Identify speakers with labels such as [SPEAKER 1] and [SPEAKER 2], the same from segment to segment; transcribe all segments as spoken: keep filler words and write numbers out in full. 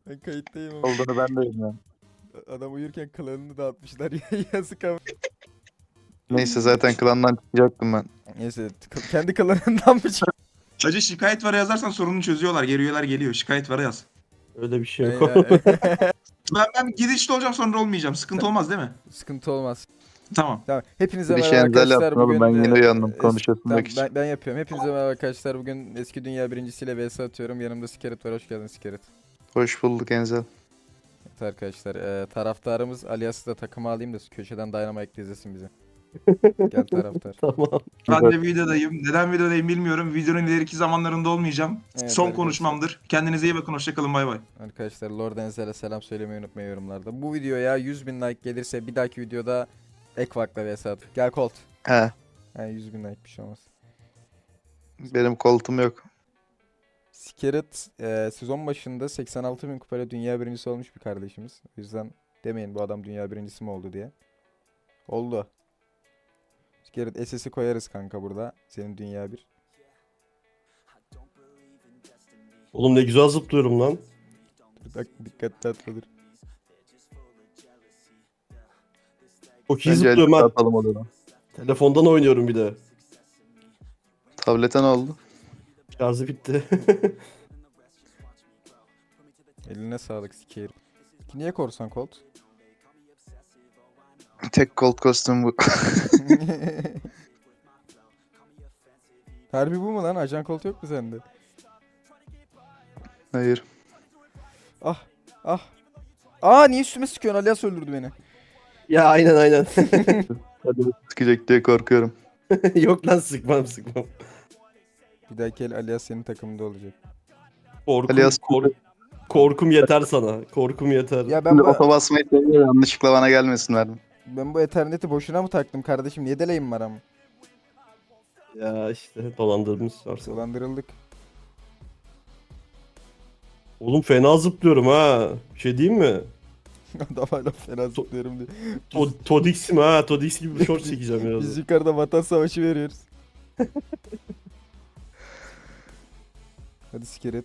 [SPEAKER 1] Ben kayıttayım ama.
[SPEAKER 2] Olduğunu ben de bilmiyorum.
[SPEAKER 1] Adam uyurken klanını dağıtmışlar. Yazık ama.
[SPEAKER 2] Neyse zaten klandan çıkacaktım ben.
[SPEAKER 1] Neyse k- kendi klanından mı çık?
[SPEAKER 3] Hacı şikayet var yazarsan sorunu çözüyorlar. Geri üyeler geliyor. Şikayet var yaz.
[SPEAKER 4] Öyle bir şey
[SPEAKER 1] Ay,
[SPEAKER 4] yok.
[SPEAKER 1] ay, ay.
[SPEAKER 3] Ben, ben gidişte olacağım sonra olmayacağım. Sıkıntı olmaz değil mi?
[SPEAKER 1] Sıkıntı olmaz.
[SPEAKER 3] Tamam.
[SPEAKER 1] Tamam. Hepinize
[SPEAKER 2] Bir
[SPEAKER 1] merhaba
[SPEAKER 2] şey enzel
[SPEAKER 1] arkadaşlar.
[SPEAKER 2] yaptın oğlum,
[SPEAKER 1] Bugün
[SPEAKER 2] ben yine
[SPEAKER 1] e,
[SPEAKER 2] uyandım
[SPEAKER 1] es-
[SPEAKER 2] konuşasın
[SPEAKER 1] tamam,
[SPEAKER 2] için.
[SPEAKER 1] ben, ben yapıyorum. Hepinize merhaba arkadaşlar. Bugün eski dünya birincisiyle vs atıyorum. Yanımda Skerit var. Hoş geldin Skerit.
[SPEAKER 2] Hoş bulduk Enzel.
[SPEAKER 1] Evet arkadaşlar. E, taraftarımız Alias'ı da takıma alayım da köşeden Dynamite izlesin bizi. Gel taraftar.
[SPEAKER 4] Tamam.
[SPEAKER 3] Ben de videodayım. Neden videodayım bilmiyorum. Videonun ileriki zamanlarında olmayacağım.
[SPEAKER 1] Evet,
[SPEAKER 3] Son
[SPEAKER 1] arkadaşlar.
[SPEAKER 3] konuşmamdır. Kendinize iyi bakın. Hoşçakalın. Bay bay.
[SPEAKER 1] Arkadaşlar Lord Enzel'e selam söylemeyi unutmayın yorumlarda. Bu videoya yüz bin like gelirse bir dahaki videoda Ekvak'la vs at. Gel Colt.
[SPEAKER 2] He,
[SPEAKER 1] Yani yüz bin like bir şey olmaz.
[SPEAKER 2] benim koltuğum yok.
[SPEAKER 1] Skerit e, sezon başında seksen altı bin kupayla dünya birincisi olmuş bir kardeşimiz. O yüzden demeyin bu adam dünya birincisi mi oldu diye. Oldu. Skerit S S'i koyarız kanka burada. Senin dünya bir.
[SPEAKER 4] Oğlum ne güzel zıplıyorum lan.
[SPEAKER 1] Dur bak dikkatli atladır.
[SPEAKER 4] Çok iyi
[SPEAKER 2] Bence
[SPEAKER 4] zıplıyorum
[SPEAKER 2] elbise
[SPEAKER 4] ha.
[SPEAKER 2] atalım o zaman.
[SPEAKER 4] Telefondan oynuyorum bir de.
[SPEAKER 2] Tablete ne oldu?
[SPEAKER 4] Şarjı bitti.
[SPEAKER 1] Eline sağlık Skerit. Niye korsan Colt?
[SPEAKER 2] Tek kolt kostüm bu.
[SPEAKER 1] Harbi bu mu lan? Ajan Colt yok mu sende?
[SPEAKER 2] Hayır.
[SPEAKER 1] Ah ah. Aa niye üstüme sıkıyorsun? Alias öldürdü beni.
[SPEAKER 4] Ya aynen aynen.
[SPEAKER 2] Hadi sıkacak diye korkuyorum.
[SPEAKER 4] Yok lan sıkmam sıkmam.
[SPEAKER 1] Bir dahaki el Alias senin takımında olacak.
[SPEAKER 4] Korkum,
[SPEAKER 2] Alias-
[SPEAKER 4] kork- korkum yeter sana. Korkum yeter.
[SPEAKER 1] Ya ben
[SPEAKER 2] Şimdi
[SPEAKER 1] bu,
[SPEAKER 2] oto basmayı seviyor, yanlışlıkla bana gelmesin verdim.
[SPEAKER 1] ben bu Ethernet'i boşuna mı taktım kardeşim? Niye deleyim var ama?
[SPEAKER 4] Ya işte dolandırmış varsa.
[SPEAKER 1] Dolandırıldık.
[SPEAKER 4] Oğlum fena zıplıyorum ha. Bir şey diyeyim mi?
[SPEAKER 1] Adam hala fena zıplıyorum diyor.
[SPEAKER 4] To Todix'im ha. Todix gibi bir short çekeceğim
[SPEAKER 1] Biz
[SPEAKER 4] biraz.
[SPEAKER 1] yukarıda vatan savaşı veriyoruz. Hadi Skerit.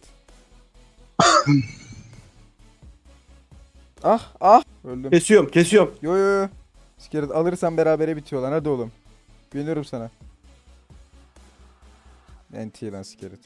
[SPEAKER 1] Ah ah. Öldüm.
[SPEAKER 4] Kesiyorum kesiyorum.
[SPEAKER 1] Yo yo yo. Skerit alırsan berabere bitiyor lan hadi oğlum. Güveniyorum sana. N T lan Skerit.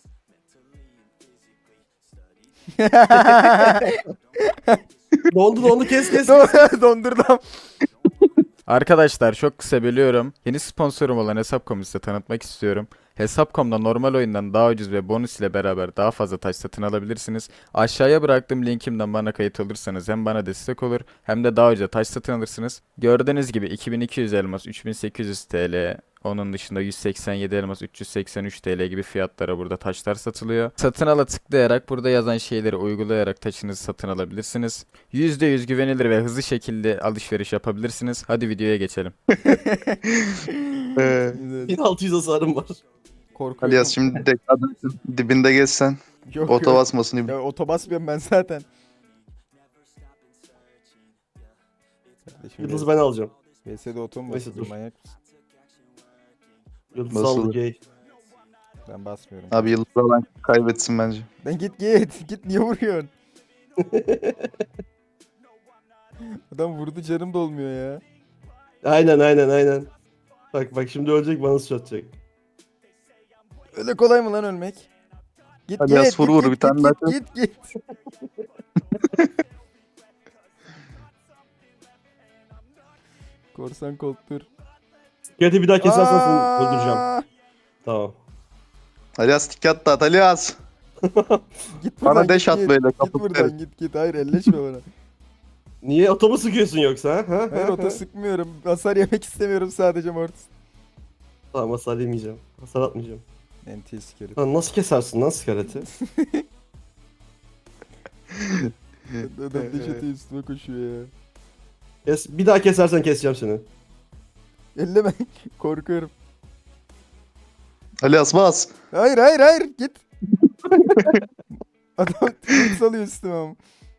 [SPEAKER 4] Dondu dondu kes kes.
[SPEAKER 1] Dondurdum. Arkadaşlar çok kısa bölüyorum. Yeni sponsorum olan Hesap.com'u size tanıtmak istiyorum. Hesap nokta com'da normal oyundan daha ucuz ve bonus ile beraber daha fazla taş satın alabilirsiniz. Aşağıya bıraktığım linkimden bana kayıt olursanız hem bana destek olur hem de daha ucuza taş satın alırsınız. Gördüğünüz gibi iki bin iki yüz elmas üç bin sekiz yüz T L, onun dışında yüz seksen yedi elmas üç yüz seksen üç T L gibi fiyatlara burada taşlar satılıyor. Satın ala tıklayarak burada yazan şeyleri uygulayarak taşınızı satın alabilirsiniz. yüzde yüz güvenilir ve hızlı şekilde alışveriş yapabilirsiniz. Hadi videoya geçelim.
[SPEAKER 2] Ee,
[SPEAKER 4] bin altı yüz hasarım var.
[SPEAKER 1] Korkuyorum.
[SPEAKER 2] Alias şimdi de kadın dibinde gezsen
[SPEAKER 1] Yok,
[SPEAKER 2] oto
[SPEAKER 1] yok.
[SPEAKER 2] basmasın.
[SPEAKER 1] Ya oto basmıyorum ben zaten. Kardeşim
[SPEAKER 4] Yıldız ben alacağım.
[SPEAKER 1] V S'de oto mu
[SPEAKER 4] Neyse,
[SPEAKER 1] basıyorsun
[SPEAKER 4] dur.
[SPEAKER 1] manyak mısın?
[SPEAKER 4] Yıldız
[SPEAKER 2] Basılır.
[SPEAKER 4] aldı gay.
[SPEAKER 1] Ben basmıyorum.
[SPEAKER 2] Abi yıldız olan kaybetsin bence.
[SPEAKER 1] Ben git git. Git niye vuruyorsun? Adam vurdu canım dolmuyor ya.
[SPEAKER 4] Aynen aynen aynen. Bak bak şimdi ölecek bana sıçratacak.
[SPEAKER 1] Öyle kolay mı lan ölmek? Git
[SPEAKER 2] Hadi
[SPEAKER 1] git,
[SPEAKER 2] yaz, vur,
[SPEAKER 1] git,
[SPEAKER 2] vur,
[SPEAKER 1] git,
[SPEAKER 2] bir tane
[SPEAKER 1] git,
[SPEAKER 2] daha
[SPEAKER 1] git, git, git. Korsan koltur.
[SPEAKER 4] Gerçi bir daha kesersen seni öldüreceğim.
[SPEAKER 1] Aa!
[SPEAKER 4] Tamam.
[SPEAKER 2] Alias dikkat at Alias.
[SPEAKER 1] Git
[SPEAKER 2] Bana
[SPEAKER 1] buradan,
[SPEAKER 2] deş
[SPEAKER 1] git,
[SPEAKER 2] at
[SPEAKER 1] git.
[SPEAKER 2] böyle,
[SPEAKER 1] Git
[SPEAKER 2] kapı
[SPEAKER 1] buradan
[SPEAKER 2] kırarım.
[SPEAKER 1] git git. Hayır elleşme bana.
[SPEAKER 4] Niye otomu sıkıyorsun yoksa ha? ha?
[SPEAKER 1] Hayır
[SPEAKER 4] ha?
[SPEAKER 1] ota sıkmıyorum. Hasar yemek istemiyorum sadece Mortis.
[SPEAKER 4] Tamam hasar yemeyeceğim. Hasar atmayacağım.
[SPEAKER 1] N T skelet.
[SPEAKER 4] Lan nasıl kesersin lan skeleti?
[SPEAKER 1] Adam deş atıyor üstüme koşuyor ya.
[SPEAKER 4] Kes, bir daha kesersen keseceğim seni.
[SPEAKER 1] Elleme. Korkuyorum.
[SPEAKER 2] Alias bas.
[SPEAKER 1] Hayır hayır hayır git. Adam tıkıp salıyor üstüme ama.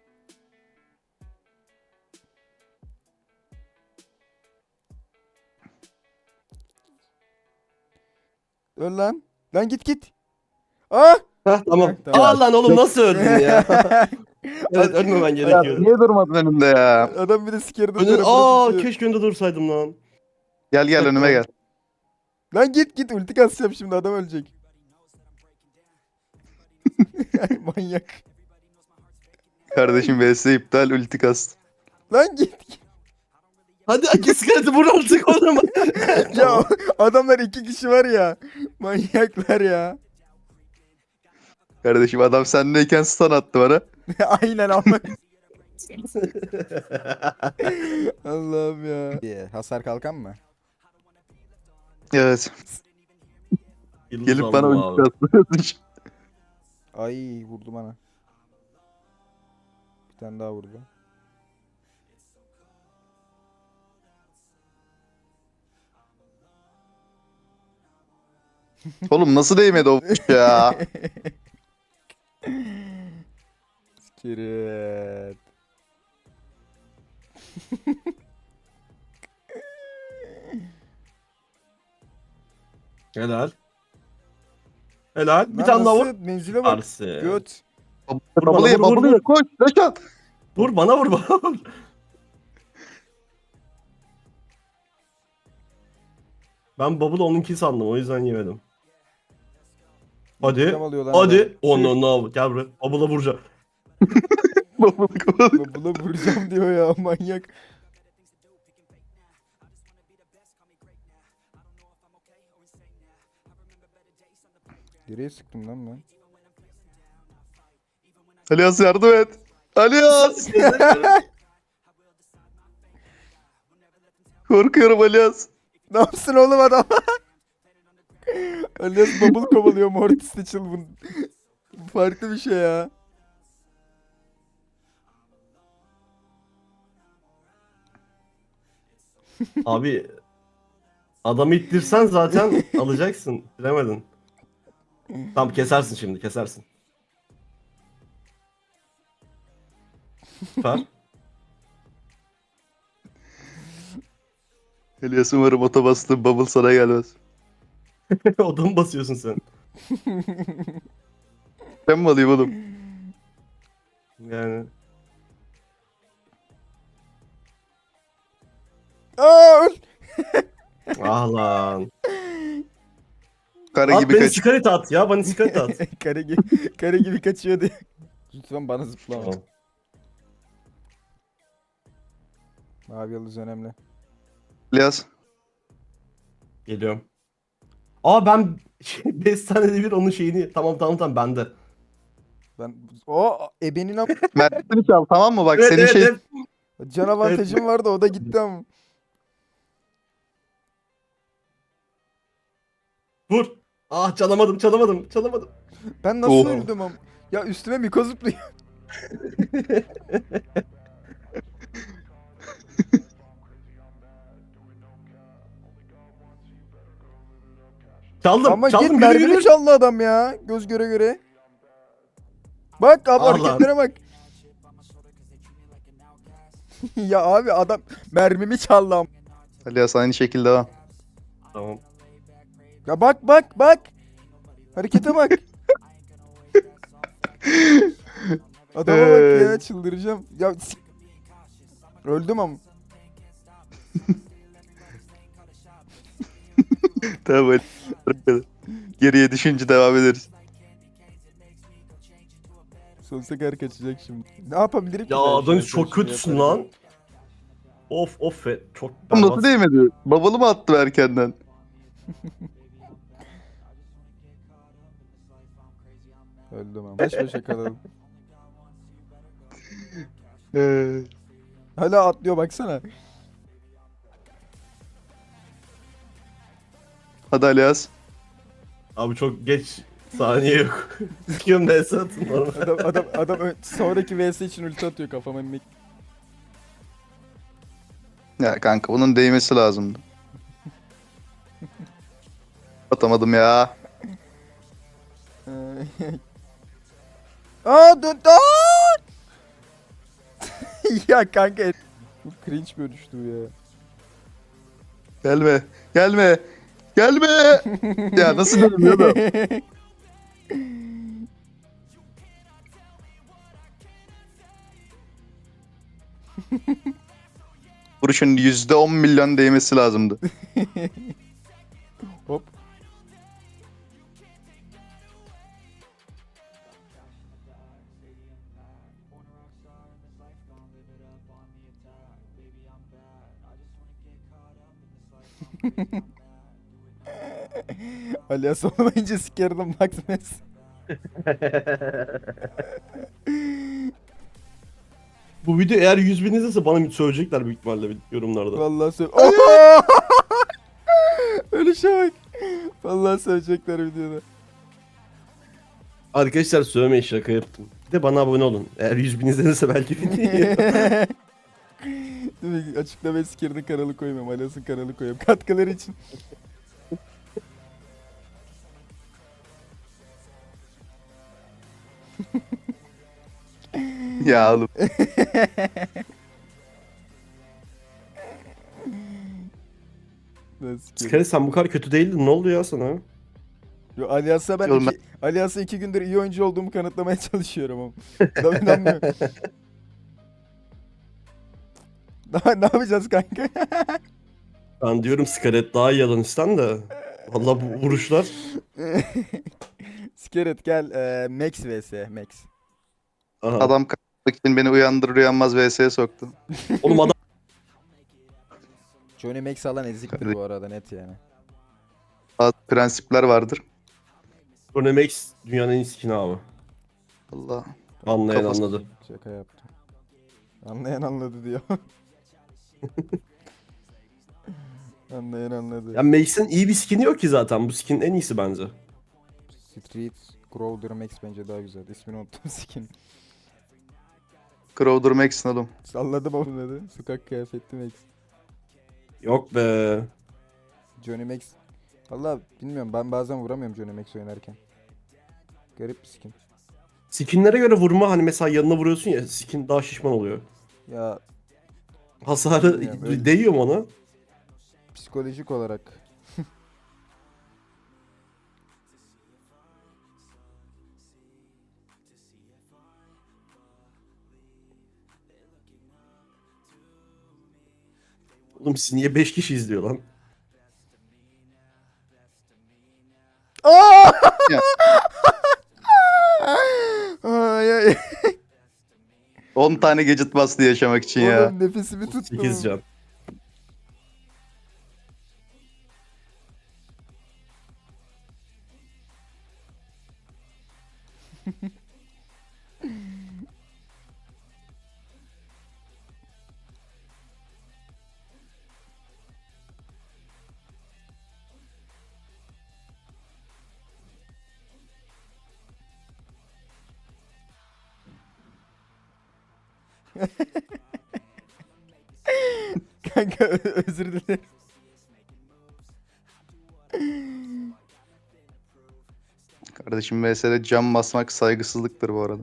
[SPEAKER 1] Öl lan. Lan git git. Ah!
[SPEAKER 4] Hah tamam.
[SPEAKER 1] Heh, tamam.
[SPEAKER 4] Aa lan oğlum nasıl öldün ya? Evet ölmemen
[SPEAKER 2] Ya,
[SPEAKER 4] gerekiyordu.
[SPEAKER 2] niye durmadın önümde ya?
[SPEAKER 1] Adam bir de sikerden
[SPEAKER 4] Önün,
[SPEAKER 1] tarafını
[SPEAKER 4] aa
[SPEAKER 1] tutuyor.
[SPEAKER 4] keşke önde dursaydım lan.
[SPEAKER 2] Gel gel önüme gel.
[SPEAKER 1] Lan git git ulti kasacağım şimdi adam ölecek. Manyak.
[SPEAKER 2] Kardeşim V S iptal ulti kast.
[SPEAKER 1] Lan git.
[SPEAKER 4] Hadi iki iskeleti vur artık o zaman.
[SPEAKER 1] Ya adamlar iki kişi var ya. Manyaklar ya.
[SPEAKER 2] Kardeşim adam sendeyken stun attı bana.
[SPEAKER 1] Aynen ama. Allah'ım ya. Hasar kalkan mı?
[SPEAKER 2] Evet.
[SPEAKER 4] Yıldız
[SPEAKER 2] Gelip
[SPEAKER 4] aldım
[SPEAKER 2] bana
[SPEAKER 4] abi.
[SPEAKER 2] ulti kastı.
[SPEAKER 1] Ay vurdu bana. Bir tane daha vurdu.
[SPEAKER 2] Oğlum nasıl değmedi o ya?
[SPEAKER 1] Skirt.
[SPEAKER 4] Helal. Helal. Bir
[SPEAKER 1] Lan
[SPEAKER 4] tane daha vur.
[SPEAKER 1] nasıl? Menzile bak.
[SPEAKER 4] Arsı.
[SPEAKER 1] Göt.
[SPEAKER 2] Bubble ye
[SPEAKER 4] vur, vur,
[SPEAKER 2] bubble ye
[SPEAKER 4] vur.
[SPEAKER 2] koş Reşat.
[SPEAKER 4] Vur bana vur bana vur. Ben Bubble onunki sandım o yüzden yemedim. Hadi.
[SPEAKER 1] İntikam alıyor lan
[SPEAKER 4] Hadi.
[SPEAKER 1] adam.
[SPEAKER 4] Onu ne no, gel buraya. Bubble'a vuracağım.
[SPEAKER 2] Bubble kovalıyor.
[SPEAKER 1] Buna buna vuracağım diyor ya manyak. Nereye sıktım lan ben?
[SPEAKER 2] Alias yardım et. Alias. Korkuyorum Alias.
[SPEAKER 1] Ne yapsın oğlum adam? Alias bubble kovalıyor Mortis'te çılgın. Bu farklı bir şey ya.
[SPEAKER 4] Abi adamı ittirsen zaten alacaksın. Bilemedin. Tamam kesersin şimdi kesersin. Süper.
[SPEAKER 2] Alias umarım ota bastığım bubble sana gelmez.
[SPEAKER 4] Odamı basıyorsun sen.
[SPEAKER 2] Ben mi alayım oğlum?
[SPEAKER 4] Yani.
[SPEAKER 1] Aa öl.
[SPEAKER 4] Ah lan.
[SPEAKER 2] Kara
[SPEAKER 4] At
[SPEAKER 2] gibi
[SPEAKER 4] beni
[SPEAKER 2] kaç.
[SPEAKER 4] sikaret at ya bana sikaret at.
[SPEAKER 1] kare, gibi, kare gibi kaçıyor diye. Lütfen bana zıplama.
[SPEAKER 4] Tamam.
[SPEAKER 1] Mavi yıldız önemli.
[SPEAKER 2] Alias.
[SPEAKER 4] Geliyorum. Aa ben beş saniyede bir onun şeyini tamam tamam tamam bende.
[SPEAKER 1] Ben o ebenin am
[SPEAKER 2] Mert'ini çal tamam mı? Bak
[SPEAKER 4] Evet,
[SPEAKER 2] senin
[SPEAKER 4] evet,
[SPEAKER 2] şey...
[SPEAKER 4] evet.
[SPEAKER 1] can avantajım vardı o da gitti ama.
[SPEAKER 4] Vur. Ah çalamadım çalamadım çalamadım.
[SPEAKER 1] Ben nasıl
[SPEAKER 2] Oh.
[SPEAKER 1] öldüm am? Ya üstüme Miko zıplıyor.
[SPEAKER 4] Çaldım
[SPEAKER 1] Ama
[SPEAKER 4] çaldım
[SPEAKER 1] git
[SPEAKER 4] gülü
[SPEAKER 1] mermimi
[SPEAKER 4] gülü.
[SPEAKER 1] çaldı adam ya. Göz göre göre. Bak abi
[SPEAKER 4] Allah.
[SPEAKER 1] hareketlere bak. ya abi adam mermimi çaldı am.
[SPEAKER 2] Alias aynı şekilde devam.
[SPEAKER 4] Tamam.
[SPEAKER 1] Ya bak bak bak. Harekete bak. Adama bak ya çıldıracağım. Ya s- öldüm ama.
[SPEAKER 2] Tamam hadi. Geriye düşünce devam ederiz.
[SPEAKER 1] Sonsuza kadar kaçacak şimdi. Ne yapabilirim ki
[SPEAKER 4] Ya
[SPEAKER 1] ben şu an
[SPEAKER 4] Adonis
[SPEAKER 1] sen
[SPEAKER 4] çok
[SPEAKER 1] şunu
[SPEAKER 4] kötüsün
[SPEAKER 1] yaparken?
[SPEAKER 4] lan. Of of fe çok
[SPEAKER 2] Oğlum nasıl
[SPEAKER 4] berbat.
[SPEAKER 2] değmedi? Bubble'ı mı attı erkenden?
[SPEAKER 1] Öldüm ama. Baş başa kalalım.
[SPEAKER 2] Ee,
[SPEAKER 1] Hala atlıyor baksana.
[SPEAKER 2] Hadi Alias.
[SPEAKER 4] Abi çok geç saniye yok. Sıkıyorum ben satın normal.
[SPEAKER 1] Adam adam adam ö- sonraki V S için ulti atıyor kafama mik.
[SPEAKER 2] Ya kanka bunun değmesi lazımdı. Atamadım ya.
[SPEAKER 1] Aa dön aa! ya kanka bu cringe bölüştü bu ya.
[SPEAKER 2] Gelme. Gelme. Gelme. Ya nasıl dönmüyor? Vuruşun yüzde on milyon değmesi lazımdı.
[SPEAKER 1] Hop. Alias olmayınca sikerdim Max Mess.
[SPEAKER 4] Bu video eğer yüz bin izlese bana söyleyecekler büyük ihtimalle yorumlarda.
[SPEAKER 1] Vallahi söyle. Öyle şey bak. Vallahi söyleyecekler videoda.
[SPEAKER 4] Arkadaşlar söylemeyin, şaka yaptım. Bir de bana abone olun. Eğer yüz bin izlenirse belki video.
[SPEAKER 1] Değil mi? Açıklamaya Siker'in kanalı koymuyorum. Alias'ın kanalı koyuyorum. Katkıları için.
[SPEAKER 2] Ya oğlum.
[SPEAKER 1] Nasıl Siker?
[SPEAKER 4] Skari sen bu kadar kötü değildin, ne oldu ya sana?
[SPEAKER 1] Yo, Alias'a ben
[SPEAKER 2] Oğlum
[SPEAKER 1] iki, Alias'a iki gündür iyi oyuncu olduğumu kanıtlamaya çalışıyorum ama. Adam inanmıyor. Daha ne yapacağız kanka?
[SPEAKER 4] Ben diyorum Skaret daha iyi Alanis'ten de. Valla bu vuruşlar.
[SPEAKER 1] Skeret gel. E, Max vs Max.
[SPEAKER 4] Aha.
[SPEAKER 2] Adam kalkmak için beni uyandırır uyanmaz V S'ye soktu.
[SPEAKER 4] Oğlum adam
[SPEAKER 1] Johnny Max alan eziktir bu arada net yani.
[SPEAKER 2] Bazı prensipler vardır.
[SPEAKER 4] Max dünyanın en iyi skin'i abi.
[SPEAKER 2] Allah.
[SPEAKER 4] Anlayan
[SPEAKER 2] Kafası-
[SPEAKER 4] anladı.
[SPEAKER 1] Şaka yaptım. Anlayan anladı diyor. Anlayan anladı.
[SPEAKER 4] Ya Max'in iyi bir skin'i yok ki zaten. Bu skin en iyisi bence.
[SPEAKER 1] Street Crowder Max bence daha güzel. İsmini unuttum skin.
[SPEAKER 2] Crowder Max'in oğlum.
[SPEAKER 1] Salladım onun adı. Sokak kıyafetli Max.
[SPEAKER 4] Yok be.
[SPEAKER 1] Johnny Max. Valla bilmiyorum, ben bazen vuramıyorum Johnny Max oynarken. Garip bir skin.
[SPEAKER 4] Skinlere göre vurma, hani mesela yanına vuruyorsun ya, skin daha şişman oluyor.
[SPEAKER 1] Ya
[SPEAKER 4] Hasarı
[SPEAKER 1] Bilmiyorum, öyle.
[SPEAKER 4] değiyor mu ona?
[SPEAKER 1] psikolojik olarak.
[SPEAKER 4] Oğlum siz niye beş kişi izliyor lan?
[SPEAKER 1] Aa!
[SPEAKER 2] Ya.
[SPEAKER 1] Ay ay.
[SPEAKER 2] on tane gadget bastı yaşamak için ya.
[SPEAKER 1] Oğlum nefesimi tuttum.
[SPEAKER 4] sekiz can.
[SPEAKER 1] Kanka ö- özür dilerim.
[SPEAKER 2] Kardeşim V S'de cam basmak saygısızlıktır bu arada.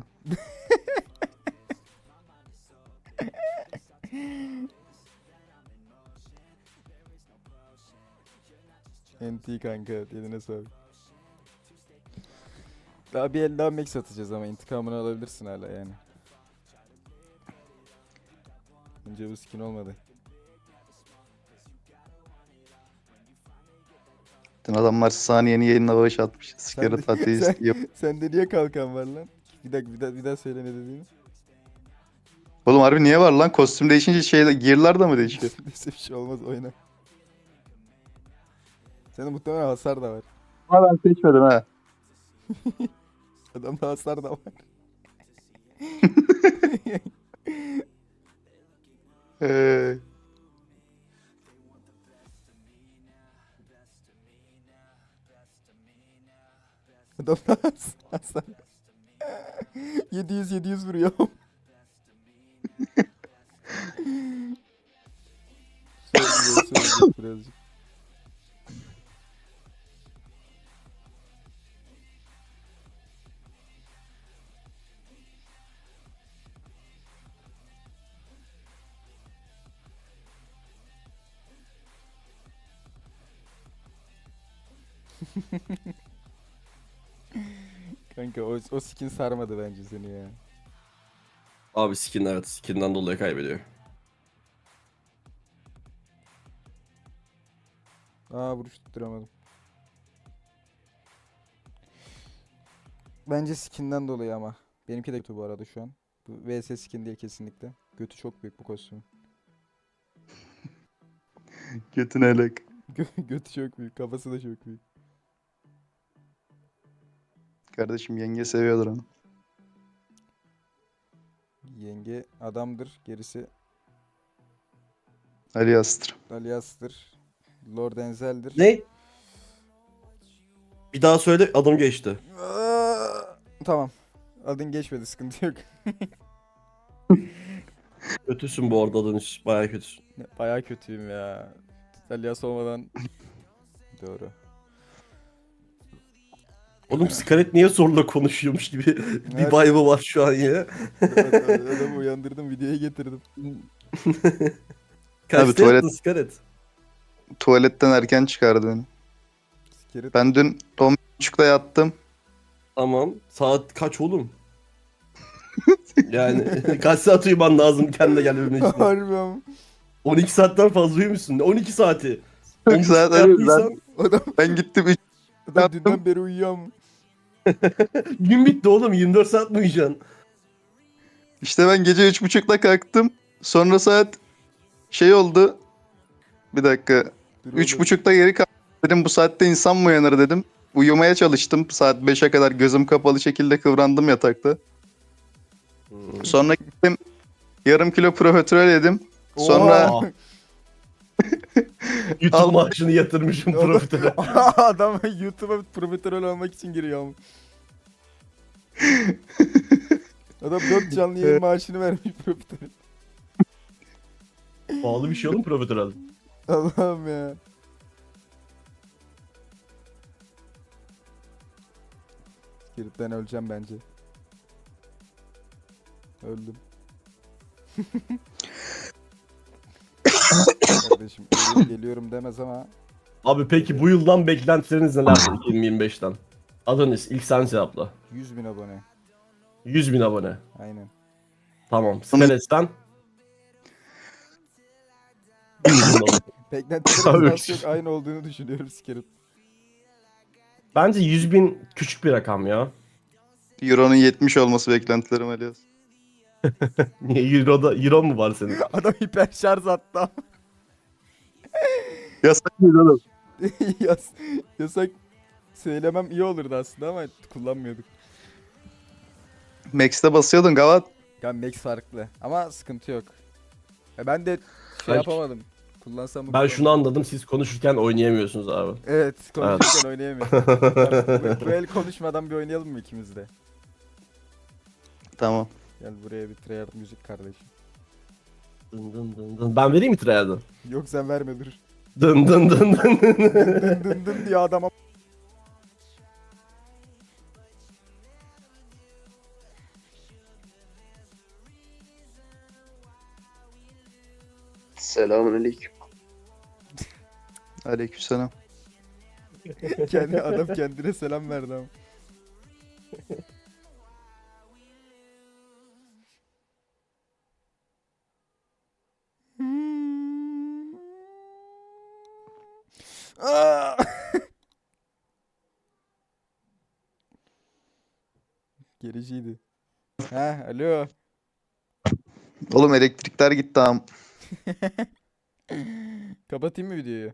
[SPEAKER 1] N T kanka, eline sağlık. Daha bir el daha Max atacağız ama intikamını alabilirsin hala yani. Önce bu skin olmadı.
[SPEAKER 2] Bütün adamlar saniyeni yayınla bağış atmış. Sikeri
[SPEAKER 1] de-
[SPEAKER 2] tatil
[SPEAKER 1] sen-
[SPEAKER 2] istiyor.
[SPEAKER 1] Sende niye kalkan var lan? Bir dakika bir daha, bir daha söyle ne dediğini.
[SPEAKER 2] Oğlum harbi niye var lan? Kostüm değişince şeyler, gear'lar da mı değişiyor?
[SPEAKER 1] Neyse bir şey olmaz, oyna. Senin muhtemelen hasar da var.
[SPEAKER 2] Ha ben seçmedim ha.
[SPEAKER 1] Adamda hasar da var.
[SPEAKER 2] Ee,
[SPEAKER 1] Adamda has- hasar. yedi yüz yedi yüz vuruyor. Söyleyecek, söyleyecek birazcık. Kanka o, o skin sarmadı bence seni ya.
[SPEAKER 4] Abi skin, evet, skinden dolayı kaybediyor.
[SPEAKER 1] Aa vuruş tutturamadım. Bence skinden dolayı ama. Benimki de kötü bu arada şu an. Bu V S skin değil kesinlikle. Götü çok büyük bu kostümün.
[SPEAKER 2] Götüne elek.
[SPEAKER 1] Gö- Götü çok büyük. Kafası da çok büyük.
[SPEAKER 2] Kardeşim yenge seviyordur onu.
[SPEAKER 1] Yenge adamdır. Gerisi
[SPEAKER 2] Ali Astır.
[SPEAKER 1] Alias'tır. Lord Enzel'dir.
[SPEAKER 4] Ne? Bir daha söyle, adım geçti.
[SPEAKER 1] Aa, tamam. Adın geçmedi. Sıkıntı yok.
[SPEAKER 4] Kötüsün bu arada, Adonis. Bayağı kötüsün.
[SPEAKER 1] Bayağı kötüyüm ya. Alias olmadan... Doğru.
[SPEAKER 4] Oğlum Scarlett niye zorla konuşuyormuş gibi bir
[SPEAKER 1] Evet.
[SPEAKER 4] vibe'ı var şu an ya.
[SPEAKER 1] Adamı uyandırdım. Videoya getirdim.
[SPEAKER 4] Kaçta
[SPEAKER 2] tuvalet-
[SPEAKER 4] yattın Scarlett?
[SPEAKER 2] Tuvaletten erken çıkardı beni.
[SPEAKER 1] Sikerit.
[SPEAKER 2] Ben dün on buçukta yattım.
[SPEAKER 4] Tamam. Saat kaç oğlum? Yani kaç saat uyuman lazım kendine gelmemen için?
[SPEAKER 1] Harbi ama.
[SPEAKER 4] on iki saatten fazla uyumuşsun. on iki saati.
[SPEAKER 2] Çok saat arıyorum ben.
[SPEAKER 4] yattıysan
[SPEAKER 1] Adam,
[SPEAKER 2] Ben gittim üç
[SPEAKER 1] adam
[SPEAKER 2] Yattım.
[SPEAKER 1] dünden beri uyuyor ama.
[SPEAKER 4] gün bitti oğlum. yirmi dört saat mi uyuyacaksın?
[SPEAKER 2] işte ben gece üç buçukta kalktım. Sonra saat şey oldu. Bir dakika.
[SPEAKER 1] Dur
[SPEAKER 2] Üç
[SPEAKER 1] oğlum.
[SPEAKER 2] buçukta geri kalktım. Dedim bu saatte insan mı uyanır dedim. Uyumaya çalıştım. Saat beşe kadar gözüm kapalı şekilde kıvrandım yatakta. Sonra gittim. Yarım kilo profiterol yedim. Sonra
[SPEAKER 1] Oha!
[SPEAKER 4] YouTube
[SPEAKER 2] Al.
[SPEAKER 4] maaşını yatırmışım profiterol.
[SPEAKER 1] Adam YouTube'a profiterol almak için giriyor ama. Adam dört canlı yayın maaşını vermiş profiterol.
[SPEAKER 4] Pahalı bir şey oğlum profiterol.
[SPEAKER 1] Allah'ım ya. Skiritten öleceğim bence. Öldüm. Kardeşim ölüyorum, geliyorum demez ama
[SPEAKER 4] Abi peki bu yıldan beklentileriniz nelerdi iki bin yirmi beşten? Adonis ilk sen cevapla.
[SPEAKER 1] yüz bin abone.
[SPEAKER 4] yüz bin abone.
[SPEAKER 1] Aynen.
[SPEAKER 4] Tamam. Scarlett'ten bir milyon abone.
[SPEAKER 1] Beklentilerim
[SPEAKER 4] Abi.
[SPEAKER 1] az çok aynı olduğunu düşünüyorum Skirt.
[SPEAKER 4] Bence yüz bin küçük bir rakam ya.
[SPEAKER 2] Euro'nun yetmiş olması beklentilerim Alias.
[SPEAKER 4] Niye Euro'da Euro mu var senin?
[SPEAKER 1] Adam hiper şarj attı ama.
[SPEAKER 2] Yasak mıydı oğlum?
[SPEAKER 1] Yas, yasak söylemem iyi olurdu aslında ama kullanmıyorduk.
[SPEAKER 2] Max'te basıyordun Gavat.
[SPEAKER 1] Yani Max farklı ama sıkıntı yok. Ya ben de şey
[SPEAKER 4] Ben-
[SPEAKER 1] yapamadım. Kullansam mı
[SPEAKER 4] Ben şunu
[SPEAKER 1] kullanmam.
[SPEAKER 4] anladım, siz konuşurken oynayamıyorsunuz abi.
[SPEAKER 1] Evet konuşurken oynayamıyorum. bu, bu el konuşmadan bir oynayalım mı ikimiz de?
[SPEAKER 2] Tamam.
[SPEAKER 1] Gel buraya bir tryhard müzik kardeşim.
[SPEAKER 4] Dın dın dın dın. Ben vereyim mi tryhard'ı?
[SPEAKER 1] Yok sen verme dur.
[SPEAKER 4] Dın dın dın dın.
[SPEAKER 1] Dın dın dın diyor adama.
[SPEAKER 2] Selamünaleyküm. Aleykümselam.
[SPEAKER 1] Kendi adam kendine selam verdi ama. Aa! Gericiydi. Ha, alo.
[SPEAKER 2] Oğlum elektrikler gitti am.
[SPEAKER 1] Kapatayım mı videoyu?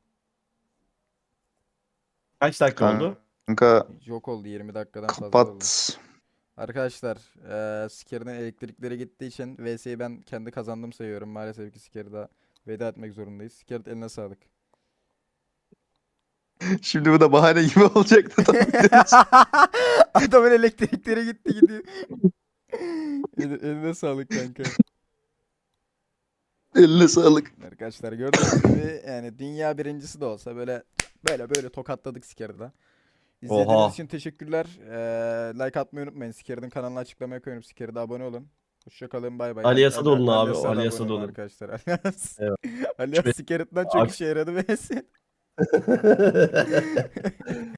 [SPEAKER 4] Kaç dakika oldu?
[SPEAKER 2] Kanka
[SPEAKER 1] Yok oldu yirmi dakikadan fazla oldu.
[SPEAKER 2] kapat.
[SPEAKER 1] Arkadaşlar, eee Siker'in elektrikleri gittiği için V S'yi ben kendi kazandım sayıyorum. Maalesef ki Siker'e veda etmek zorundayız. Siker eline sağlık.
[SPEAKER 2] Şimdi bu da bahane gibi olacaktı.
[SPEAKER 1] Adamın elektrikleri gitti gidiyor. El- eline sağlık kanka.
[SPEAKER 2] Eline sağlık.
[SPEAKER 1] Arkadaşlar gördüğünüz gibi yani dünya birincisi de olsa böyle böyle böyle tokatladık Siker'da. İzlediğiniz
[SPEAKER 4] Oha.
[SPEAKER 1] için teşekkürler. Eee, like atmayı unutmayın. Siker'in kanalına açıklamaya koyuyorum. Siker'e de abone olun. Hoşçakalın bay bay.
[SPEAKER 4] Alias'a
[SPEAKER 1] Ali-
[SPEAKER 4] da olun abi,
[SPEAKER 1] Alias'a da
[SPEAKER 4] Alias'a
[SPEAKER 1] abone
[SPEAKER 4] da
[SPEAKER 1] olun
[SPEAKER 4] olun.
[SPEAKER 1] arkadaşlar. Alias.
[SPEAKER 4] Evet.
[SPEAKER 1] Alias Siker'den çok
[SPEAKER 4] Aks-
[SPEAKER 1] işe yaradı ve